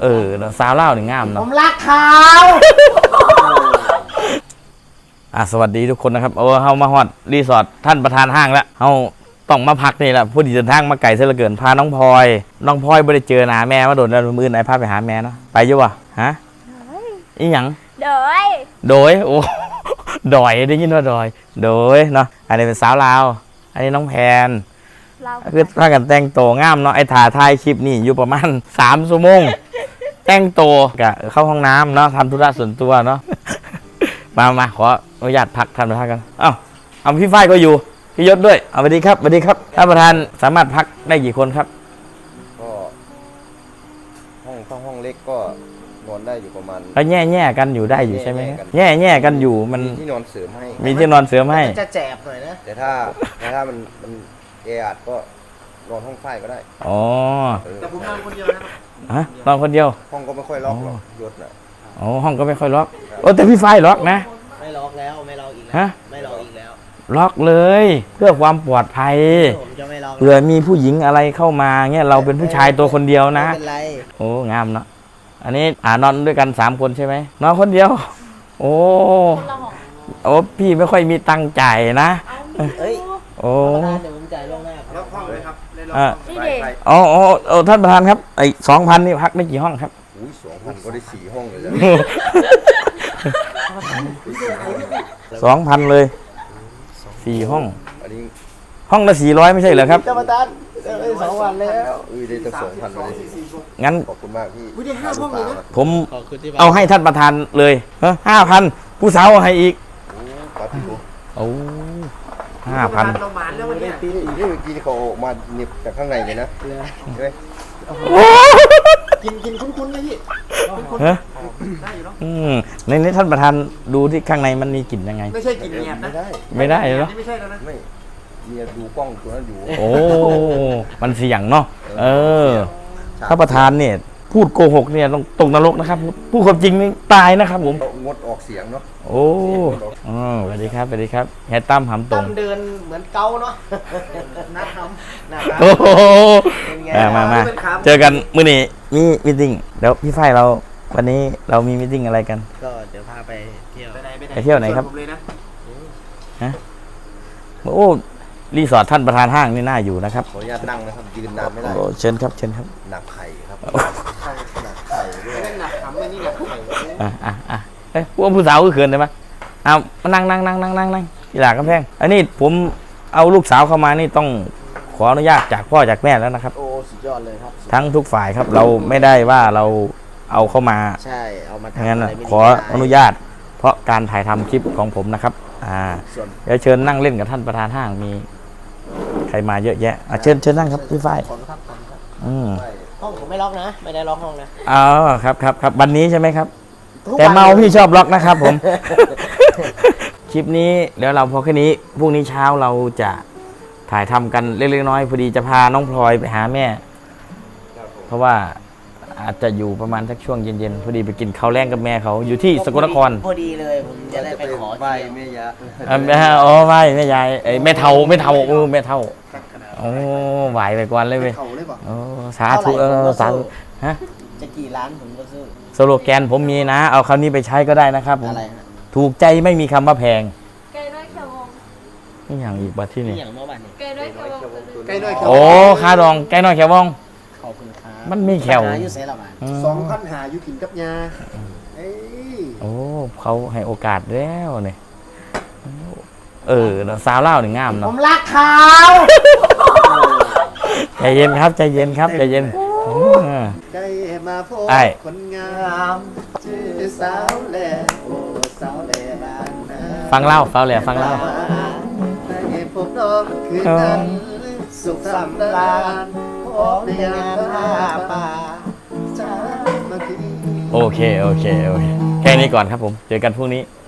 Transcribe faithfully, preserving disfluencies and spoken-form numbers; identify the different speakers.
Speaker 1: เออสาวเล่าหนึ่งงามเนาะ
Speaker 2: ผมรักเขา
Speaker 1: อ่ะสวัสดีทุกคนนะครับโอ้เฮามาฮอดรีสอร์ทท่านประธานห้างแล้วเฮาต้องมาพักนี่แหละผู้ดีเดินทางมาไกลเสียเหลือเกินพาน้องพลอยน้องพลอยไม่ได้เจอหน้าแม่มาโดนแล้วมือไหนพาไปหาแม่เนาะไปอยู่วะฮะอีหยัง
Speaker 3: โดย
Speaker 1: โดยโอ้ดอยได้ยินว่าดอยโดยเนาะอันนี้เป็นสาวลาวอันนี้น้องแพนคือถ้ากันแต่งโตงามเนาะไอ้ถ่ายถ่ายคลิปนี่อยู่ประมาณสามชั่วโมงแต่งโตกะเข้าห้องน้ำเนาะทำธุระส่วนตัวเนาะมามาขออนุญาตพักท่านประธานกันเอ้าเอาพี่ฝ้ายก็อยู่พี่ยศด้วยเอาสวัสดีครับสวัสดีครับท่านประธานสามารถพักได้กี่คนครับ
Speaker 4: ก็ห้องห้องห้องเล็กก็นอนได้อยู่ประมาณ
Speaker 1: ก็แง่แง่กันอยู่ได้อยู่ใช่ไหมแง่แง่กันอยู่มัน
Speaker 4: มีที่นอนเสริมให้
Speaker 1: มีที่นอนเสริมให้
Speaker 2: จะแจบหน่อยนะ
Speaker 4: แต่ถ้าแต่ถ้ามันมันแออัดก็นอนห้องไฟก็ได้
Speaker 1: อ๋อ
Speaker 2: แต่ผมนอนคนเดียวนะ
Speaker 1: ฮะนอนคนเดียว
Speaker 4: ห้องก็ไม่ค่อยล็อกหรอกยศน่ะ
Speaker 1: อ๋อห้องก็ไม่ค่อยล็อกโอ้แต่พี่ไฟล็อกนะ
Speaker 2: ไม่ล็อกแล้วไม่ล็อกอีกแล้วไม่ล็อกอีกแล้ว
Speaker 1: ล็อกเลยเพื่อความปลอดภัย
Speaker 2: ผมจะไม่ล็อก
Speaker 1: เผื่อมีผู้หญิงอะไรเข้ามาเงี้ยเราเป็นผู้ชายตัวคนเดียวนะ
Speaker 2: ไม่เป็นไร
Speaker 1: โอ้งามเนาะอันนี้อ่านอนด้วยกันสามคนใช่ไหมนอนคนเดียวโอ้โอ้พี่ไม่ค่อยมีตังค์จ่ายนะ
Speaker 2: เอ้ย
Speaker 1: โอ้
Speaker 2: เดี๋ยวผมจ่ายล่วงหน้า
Speaker 4: ล็อกห้องเลยครับ
Speaker 1: อ่าอ๋ออ๋อท่านประธานครับไอ้สองพันนี่พักได้กี่ห้องครับ
Speaker 4: อุ้ยสองพันก็ได้สี่ห้องเลย
Speaker 1: สองพันเลยสี่ห้องห้องละสี่ร้อยไม่ใช่เหรอครับ
Speaker 2: ท่านประธานได้สองวันแล้ว
Speaker 4: อุ้ยได้ตั้งสองพันเลย
Speaker 1: งั้น
Speaker 4: ขอบคุณมากพี่
Speaker 2: ได้ห้าห้องเลยนะ
Speaker 1: ผมเอาให้ท่านประธานเลยเฮ้ยห้าพันผู้สาวให้อีกโอ้ห้าพัน
Speaker 4: เราหมานแล้ววันนี้ปีนี้อีกเมื่อกี้เขามาเน็บจากข้างในเลยนะใช่ไหม
Speaker 2: กินกินคุ้นๆเลยพี่
Speaker 1: ฮะได้อยู่เนาะอืมในนี้ท่านประธานดูที่ข้างในมันมีกลิ่นยังไง
Speaker 2: ไม่ใช่กลิ่นเงียบนะ
Speaker 1: ไม่ได้เหรอ
Speaker 2: ไม่ใช่แล้วนะ
Speaker 4: ไม่เมียดูกล้องตัวนั้นอยู่
Speaker 1: โอ้มันเสี่ยงเนาะเออท่านประธานเนี่ยพูดโกหกเนี่ยต้องตกนรกนะครับพูดความจริงนี่ตายนะครับผม
Speaker 4: งดออกเสียงเนาะ
Speaker 1: โอ้อ๋อสวัสดีครับสวัสดีครับแฮตตั้มหำตรง
Speaker 2: เดินเหมือนเกาเนาะนัดทำนัด
Speaker 1: โอ้โหมามาเจอกันมื้อนี้มีมิทติ้งเดี๋ยวพี่ฝ้ายเราวันนี้เรามีมิทติ้งอะไรกัน
Speaker 2: ก็เดี๋ยวพาไปเที่ยว
Speaker 1: ไปเที่ยวไหนครับฮะโอ้รีสอร์ทท่านประธานห้างนี่น่าอยู่นะครับ
Speaker 4: ขออนุญาตนั่งนะครับยืนนานไม่ได้
Speaker 1: เชิญครับเชิญครับ
Speaker 4: หนักไข่ครับหนักไข่ด้วย
Speaker 2: หนักทำไม่นี่หนักไข่
Speaker 1: อ่ะอ่ะอ่ะเอ้ยพวกผู้สาวก็เขินได้ไหมเอามานั่งนั่งนั่งนั่งนั่งนั่งกีฬากำแพงอันนี้ผมเอาลูกสาวเข้ามานี่ต้องขออนุญาตจากพ่อจากแม่แล้วนะครับ
Speaker 2: โอ้สุดยอดเลยครับ
Speaker 1: ทั้งทุกฝ่ายครับเราไม่ได้ว่าเราเอาเข้ามา
Speaker 2: ใช่เอามาทำ
Speaker 1: งั้นขออนุญาตเพราะการถ่ายทำคลิปของผมนะครับอ่าเดี๋ยวเชิญนั่งเล่นกับท่านประธานห้างมีใครมาเยอะแยะเชิญเชิญนั่งครับพี่ฝ้ายอืม
Speaker 2: ห้องผมไม่ล็อกนะไม่ได้ล็อกห้องนะ
Speaker 1: อ๋อครับครับครับวันนี้ใช่ไหมครับแต่เมาพี่ชอบล็อกนะครับผมคลิปนี้เดี๋ยวเราพอแค่นี้พรุ่งนี้เช้าเราจะถ่ายทำกันเล็กๆน้อยพอดีจะพาน้องพลอยไปหาแม่เพราะว่าอาจจะอยู่ประมาณสักช่วงเย็นๆพอดีไปกินข้าวแรงกับแม่เขาอยู่ที่สกลนคร
Speaker 2: พอดีเลยผมจะได้ไปขอ
Speaker 4: ไหว้แม่ยา
Speaker 1: แม่อ๋อไหว้แม่ยายไอ้แม่เฒ่าแม่เฒ่าเออแม่เฒ่าโอ้ไหวไปก่อนเลยเว้ยโอ้สาธุเออสาธุฮะ
Speaker 2: จะกี่ล้านผมก็ซื้อ
Speaker 1: สโลแกนผมมีนะเอาคำนี้ไปใช้ก็ได้นะครับผมถูกใจไม่มีคำว่าแพง
Speaker 3: ไก่น้อยเขียววง
Speaker 1: นี่อย่างอีกบัดที่นี่
Speaker 2: อย่างเมื่อวานนี้
Speaker 3: ไก่น้อยเขียววง
Speaker 2: ไก่น้อยเขียว
Speaker 1: โอ้คาดองไก่น้อยเขียววง
Speaker 2: ขอบคุณครับ
Speaker 1: มันไม่แขว
Speaker 2: สองพันหาอยู่กินกับยา
Speaker 1: โอ้เขาให้โอกาสแล้วเนี่ยเออสาวเล่าหนึ่งงามเนาะ
Speaker 2: ผมรักเขา
Speaker 1: ใจเย็นครับใจเย็นครับใจเย็น
Speaker 2: ได้มาพบคนงามชื่อสาวแหล่โอ้สาวแหล่บ้านนา
Speaker 1: ฟังเล่าสาวแหล่ฟังเล่า
Speaker 2: ได้พบน้องคืนนั้นสุขสำราญพบในงานผ้าป่าโอเคโอเคโอเคแค่นี้ก่อนครับผมเจอกันพรุ่งนี้